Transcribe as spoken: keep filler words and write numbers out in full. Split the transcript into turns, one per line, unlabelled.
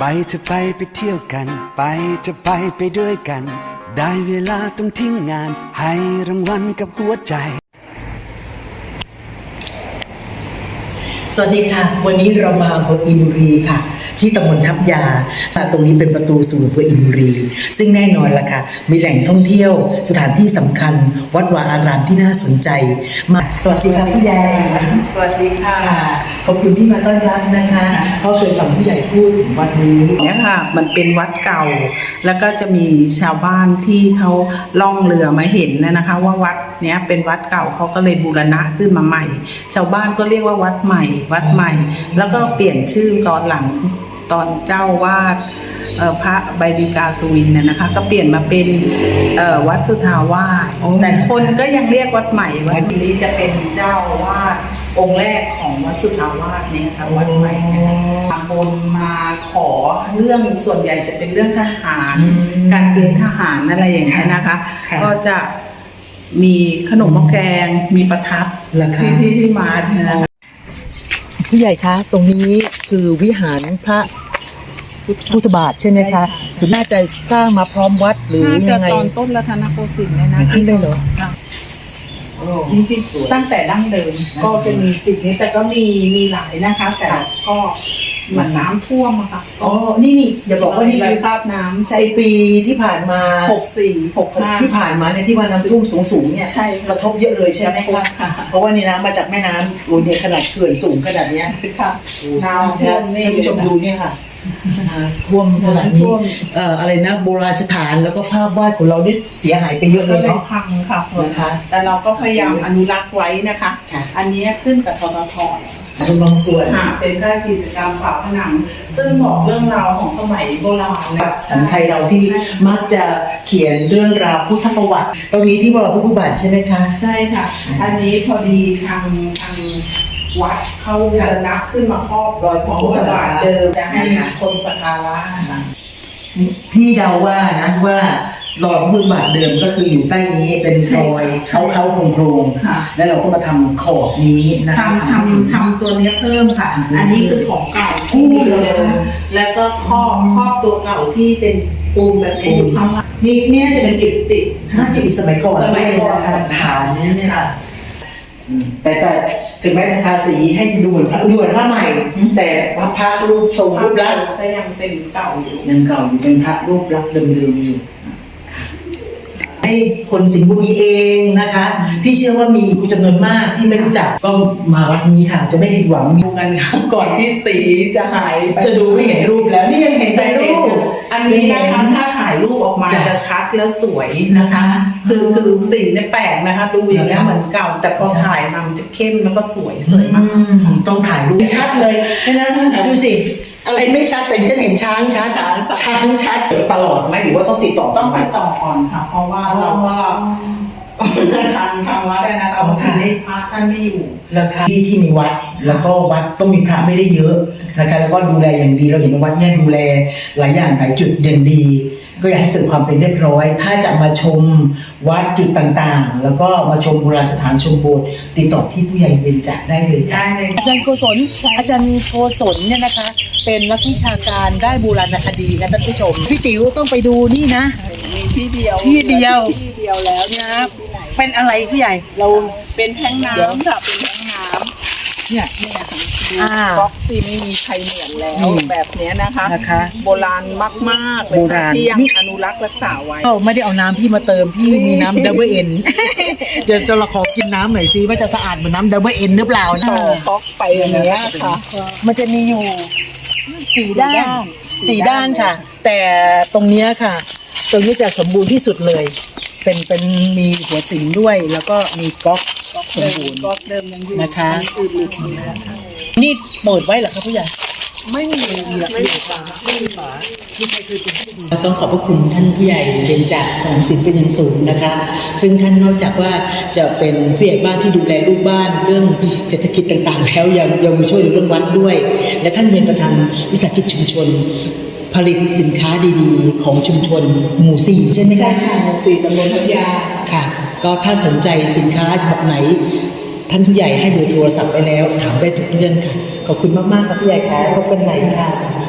ไปจะไปไปเที่ยวกันไปจะไปไปด้วยกันได้เวลาต้องทิ้งงานให้รางวัลกับหัวใจ
สวัสดีค่ะวันนี้เรามาอำเภออินบุรีค่ะที่ตำบลทับยาตรงนี้เป็นประตูสู่อำเภออินบุรีซึ่งแน่นอนล่ะค่ะมีแหล่งท่องเที่ยวสถานที่สำคัญวัดวาอารามที่น่าสนใจมาสวัสดีค่ะผู้ใหญ่
สวัสดีค่ะ
ขอบคุณที่มาต้อนรับนะคะเพราะเคยฟังผู้ใหญ่พูดถึงวัดนี้
เนี่ยค่ะมันเป็นวัดเก่าแล้วก็จะมีชาวบ้านที่เขาล่องเรือมาเห็นนะคะว่าวัดเนี้ยเป็นวัดเก่าเขาก็เลยบูรณะขึ้นมาใหม่ชาวบ้านก็เรียกว่าวัดใหม่วัดใหม่แล้วก็เปลี่ยนชื่อตอนหลังตอนเจ้าวาดพระใบดิกาสุวินเนี่ยนะคะก็เปลี่ยนมาเป็นวัดสุทาวาสแต่คนก็ยังเรียกวัดใหม่วัดนี้จะเป็นเจ้าวาดองค์แรกของวัดสุทาวาสเนี่ยค่ะวัดใหม่นะคะบางคนมาขอเรื่องส่วนใหญ่จะเป็นเรื่องทหารการเกณฑ์ทหารอะไรอย่างนี้นะคะก็จะมีขนมหม้อแกงมีประทับที่ที่ที่มาเนี่ยนะคะ
ผู้ใหญ่คะตรงนี้คือวิหารพระพุทธบาทใช่ไหมคะคือน่าจะสร้างมาพร้อมวัดหรือยังไง
ตอนต้นรัตนโกสินทร์เลยนะ
ที่ได้เหรอ
ตั้งแต่ดั้งเดิมก็จะมีสิ่งนี้แต่ก็มีมีหลายนะคะแต่ก็เหมือนน้ำท่วมอะค่ะ
อ๋อนี่นี่อย่าบอกว่านี่
คือภาพน้ำ
ใช่ปีที่ผ่านมา
หกสี่หกห้า
ที่ผ่านมาเนี่ยที่ว่าน้ำท่วมสูงๆเนี่ยกระทบเยอะเลยใช่ไหมคะเพราะว่านี่น้ำมาจากแม่น้ำโอ้เนี่ยขนาดเขื่อนสูงขนาดเนี้ย
ค่ะน้ำท่วมนี่
ผู้ชมดูเนี่ยค่ะท่วมสถานที่เอ่ออะไรนะโบราณสถานแล้วก็ภาพวาดของเราได้เสียหายไปเยอะเลยเนาะ
พังค่ะนะคะแต่เราก็พยายามอนุรักษ์ไว้นะคะอันนี้ขึ้นกับททท
เป็นบางส่วน
เป็นค่ายกิจกรรมฝาผนังซึ่งบอกเรื่องราวของสมัยโบราณ
ของไทยเราที่มักจะเขียนเรื่องราวพุทธประวัติตรงนี้ที่วรพุทธบาทใช่ไหมคะ
ใช่ค่ะอันนี้พอดีทางทางวัดเข้าบูรณะขึ้นมาครอบรอยพระพุทธบาทเดิมจะให้คนสักการะ
พี่เดาว่านะว่ารอยพระพุทธบาทเดิมก็คืออยู่ใต้นี้เป็นรอยเขาเขาโครงโครงแล้วเราก็มาทำขอบนี้นะคะ
ทำทำทำตัวนี้เพิ่มค่ะอันนี้คือของเก่าที่มีเลยแล้วก็ครอบครอบตัวเก่าที่เป็นปูนแบบนี้อยู่ข้างล่าง
นี่นี่น่าจะเป็นอิฐติดน่าจะเป็นสมัยก่อนด้วยนะคะฐานนี้เนี่ยค่ะแต่แต่ถึงแม้จะทาสีให้ดูเหมือนพระดูเหมือนพระใหม่แต่พระพระรูปทรงรูปลักษณ์
ก็ยังเป็นเก่าอยู่
ยังเก่าอยู่เป็นพระรูปลักษณ์เดิมๆอยู่ให้คนสิงห์บุรีเองนะคะพี่เชื่อว่ามีคุณจำนวนมากที่ไม่รู้จักก็มาวัดนี้ค่ะจะไม่ผิดหวัง
ดูกันก่อนที่สีจะหาย
จะดูไม่เห็นรูปแล้วนี่ยังเห็นแต่รูป
อันนี้นะคะถ้าถ่ายรูปออกมาจะชัดแล้วสวยนะคะคือคือสีเนี่ยแปลกนะคะดูอย่างนี้เหมือนเก่าแต่พอถ่ายมามันจะเข้มแล้วก็สวยสวยมาก
ต้องถ่ายรูปชัดเลยนะดูสิอะไรไม่ชัดแต่ฉันเห็นช้างชัดช้างชัดตลอดไหมหรือว่าต้องติดต่อ
ต้องติดต่อก่อนค่ะเพราะว่าเราก็ทางทางวัดนะคะบางทีให้พระท่านไม่อยู่
แล้วที่ที่มีวัดแล้วก็วัดก็มีพระไม่ได้เยอะนะคะแล้วก็ดูแลอย่างดีเราเห็นวัดเนี่ยดูแลหลายอย่างหลายจุดอย่างดีก็อยากให้เกิดความเป็นเรียบร้อยถ้าจะมาชมวัดจุดต่างๆแล้วก็มาชมโบราณสถานชมโบสถ์ติดต่อที่ผู้ใหญ่เบญจได้เลยค่ะอาจารย์โกศลอาจารย์โกศลเนี่ยนะคะเป็นนักวิชาการได้โบราณคดีนะท่านผู้ชมพี่ติ๋วต้องไปดูนี่นะ
มีที่เดียว
ที่เดียว
ที่เดียวแล้ว
นะเป็นอะไรผู้ใหญ่เรา
เป็นแท้งน้ำค่ะเป็นแท้งน้ำเนี่ยเนี่ยค่ะบ็อกซี่ไม่มีใครเหมือนแล้วแบบนี้นะคะนะคะโบราณมากๆเลยที่ยังอนุรักษ์รักษาไว้
ไม่ได้เอาน้ำพี่มาเติมพี่มีน้ำดับเบิลเอ็นเดี๋ยวจะเราขอกินน้ำหน่อยซิว่าจะสะอาดเหมือนน้ำดับเบิลเอ็นหรือเปล่านะ
บ็อกไปอย่างเงี้ยค่ะ
มันจะมีอยู่สี่ด้านสี่ด้านค่ะแต่ตรงนี้ค่ะตรงนี้จะสมบูรณ์ที่สุดเลยเป็นเป็นมีหัวสิงด้วยแล้วก็มีก๊อกสมบูรณ์
ก๊อกเดิมยังอยู่
นะคะนี่เปิดไว้เหรอครับผู้ใหญ่
ไม่มีไม่มีฝาไม่มีฝา
ต้องขอบพระคุณท่านผู้ใหญ่เบญจของศิลป์เป็นอย่างสูงนะคะซึ่งท่านนอกจากว่าจะเป็นผู้ใหญ่บ้านที่ดูแลลูกบ้านเรื่องเศรษฐกิจต่างๆแล้วยังยังมีช่วยเรื่องวัดด้วยและท่านเป็นประธานวิสาหกิจชุมชนผลิตสินค้าดีๆของชุมชนหมู่สี่ใช่ไหมคะ
ใช่ค่ะหมู่สี่ตำบลทับยา
ค่ะก็ถ้าสนใจสินค้าแบบไหนท่านผู้ใหญ่ให้เบอร์โทรศัพท์ไปแล้วถามได้ทุกเรื่องค่ะขอบคุณมากๆครับผู้ใหญ่ค่ะพบกันใหม่ค่ะ